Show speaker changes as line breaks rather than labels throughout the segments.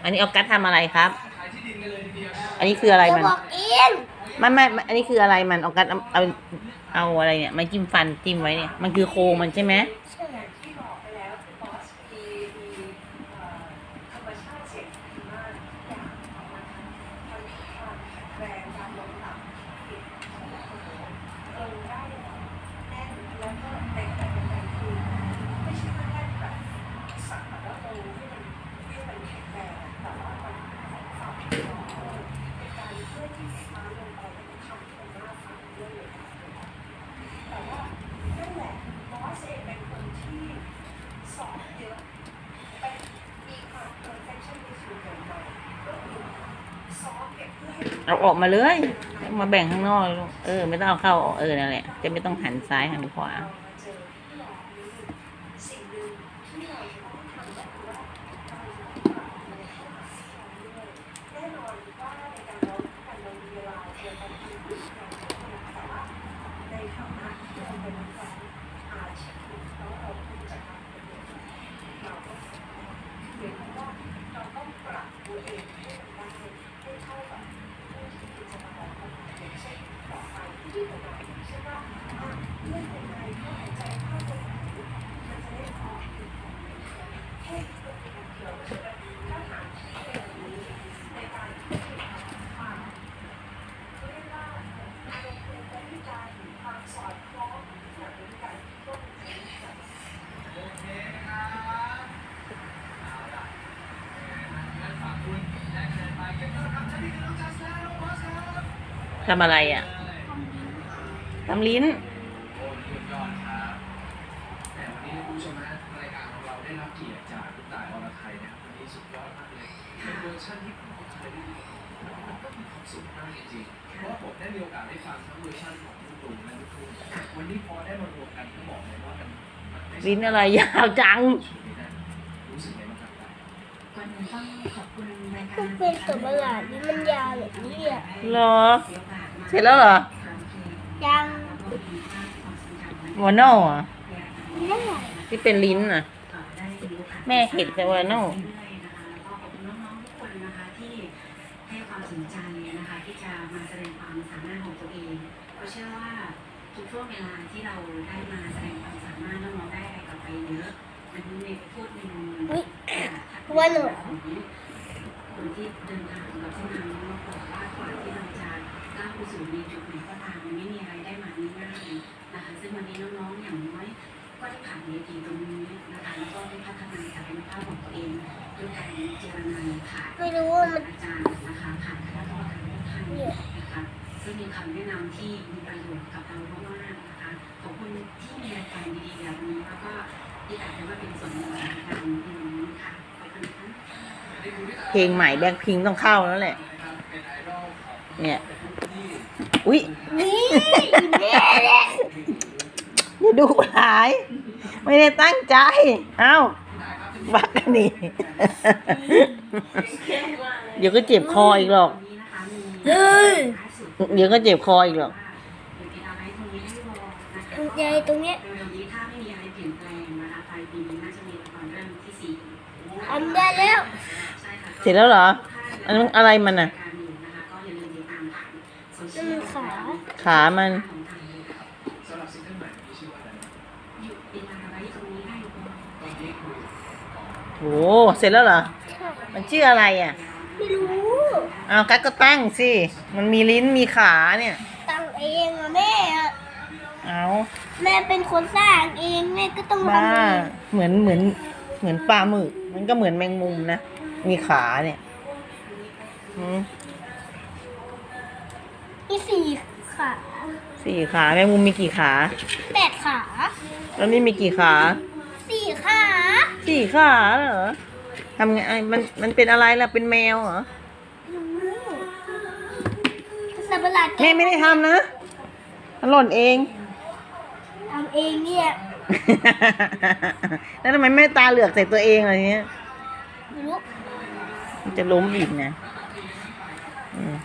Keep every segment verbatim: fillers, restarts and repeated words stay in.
อันนี้ออกัสทำอะไรครับ อันนี้คืออะไร
จะ
มัน
บอกเอง
ไม่ไม่ไม่อันนี้คืออะไรมันออกัสเอาเอาเอาอะไรเนี่ยมาจิ้มฟันจิ้มไว้เนี่ยมันคือโครงมันใช่ไหม
ใช่
เอาออกมาเลยมาแบ่งข้างนอกเลยลูกเออไม่ต้องเอาเข้าเออนั่นแหละจะไม่ต้องหันซ้ายหันขวาทำอะไรอ่ะทำลิ้น
แต่วันนี้คุณผู้ชมนะรายการของเราได้รับเกียรติจากคุณต่ายอรไทยนะครับวันนี้สุดยอดมากเลยเป็นเวอร์ชันที่ผมเคยได้ยินมันก็มีความสุขมากจริงๆเพราะว่าผมได้มีโอกาสได้ฟังทั้งเวอร์ชันของลูกตุ่มและลูกทุ่งวันนี้พอได้มารวมกันต้องบอกเลยว่ามัน
ลิ้นอะไรยาวจัง
รู้สึกไงบ้างครับ
ก่อนอื่นต้องขอบคุณรายการ
มันเป็นตัวประหลาดนี่มันยาวแบบนี้อ่ะ
เหรอเสร็จแล้วเหรอ
ยัง
วานอลอ่ะ
ไม่
ที่เป็นลิ้นอ่ะ แม่เห็นแต่วานอล
ขอบคุณน้องๆทุกคนนะคะที่ให้ความสนใจนะคะที่จะมาแสดงความสามารถของตัวเองเพราะเชื่อว่าทุกช่วงเวลาที่เราได้มาแสดงความสามารถน้องๆได้อะไรกลับไปเยอะอันนี้ในพูดในมุม
อุ๊ยว่าหนู
ของคนที่เดินทางกับเส้นทางนี้มาบอกว่ากว่าที่เราจะก้าวไปสู่ในจุดไหนก็ตามมันไม่มีอะไรได้มาง่ายๆนะคะซึ่งวันนี้น้องๆอย่างน้อยก็ได้ผ่านเวทีตรงนี้นะคะแล้วก็ได้พัฒนาศักยภาพของตัวเองด้วยการเจรนาผ่าน
ไม่รู้ว่ามัน
อาจารย์นะคะผ่านคณะกรรมการทุกท่านนะคะซึ่งมีคำแนะนำที่มีประโยชน์กับเรามากๆนะคะขอบคุณที่มีรายการดีๆแบบนี้แล้วก็ที่อาจจะมาเป็นส่วนหนึ่งในการเรียนรู้ค่ะขอบคุณค่ะ
เพลงใหม่แบ็คพิงต้องเข้าแล้วแหละ เนี่ยอุ๊ย
นี่แม่แหละ
อย่าดุร้าย ไม่ได้ตั้งใจ เอ้าบักกันนี่ เดี๋ยวก็เจ็บคออีกหรอก
เฮ้ย
เดี๋ยวก็เจ็บคออีกหรอก
ยายตรงเนี้ย
ถ้าไม่มีอะไรเปลี่ยนแปลงนะคะปลายปีนี้น่าจะมีละครเรื่องที่สี่
ทำได้แล้ว
เสร็จแล้วเหรอ อันนั้นอะไรมันอ่ะ
นั่นมันขา
ขามัน
สำหรับซิงเกิลใหม่ที่ชื่อว่าอะไรนะตอนนี้คือ
โหเสร็จแล้วเหรอ
ใช่
มันชื่ออะไรอ่ะ
ไม่รู้
เอากัดก็ตั้งสิ มันมีลิ้นมีขาเนี่ย
ตั้งเองอะแม่อะ
เอา
แม่เป็นคนสร้างเองแม่ก็ต้อง
บ้า
ทำเอง
เหมือนเหมือนเหมือนปลาหมึก มันก็เหมือนแมงมุมนะ มีขาเนี่ยอืม
มีสี่ขา
สี่ขาแมงมุมมีกี่ขา
แปดขา
แล้วนี่มีกี่ขา
สี่ขา
สี่ขาเหรอทำไงไอ้มันมันเป็นอะไรล่ะ เป็นแมวเหรอ
สัตว์ประหลาด
แม่ไม่ได้ทำนะมันหล่นเอง
ทำเองเนี่ย
แล้วทำไมแม่ตาเหลือกใส่ตัวเองอะไรเงี้ย
ไม่รู้
มันจะล้มอีกนะอืม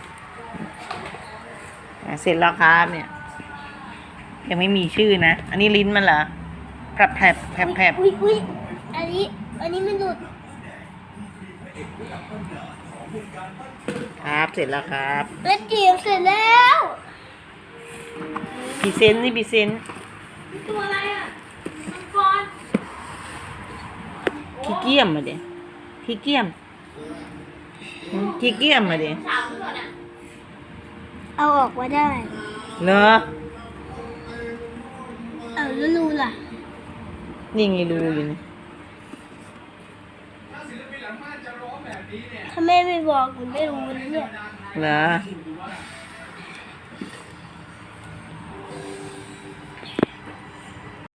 อ่ะเสร็จแล้วครับเนี่ย ยังไม่มีชื่อนะ อันนี้ลิ้นมันเหรอแผลบแผลบแผลบแผลบ
อุ้ยอุ้ยอันนี้ อันนี้มันหลุด
ครับเสร็จแล้วครับ
แล้วจีบเสร็จแล้ว
พรีเซนต์นี่พรีเซนต์
ตัวอะไรอ่ะมังกร
ขี้เกียจมาเดี๋ยขี้เกียจหืมขี้เกียจมาเดี๋ย
เอาออกมาได้
เหรอ
เอาแล้วรูล่ะ
นี่ไงรูอยู่นี่
ถ้าศิลปินหลังม่านจะร้องแบบนี้เนี่ย
ถ้าแม่ไม่บอกหนูไม่รู้นะเนี่ย
เหรอ
ถือว่า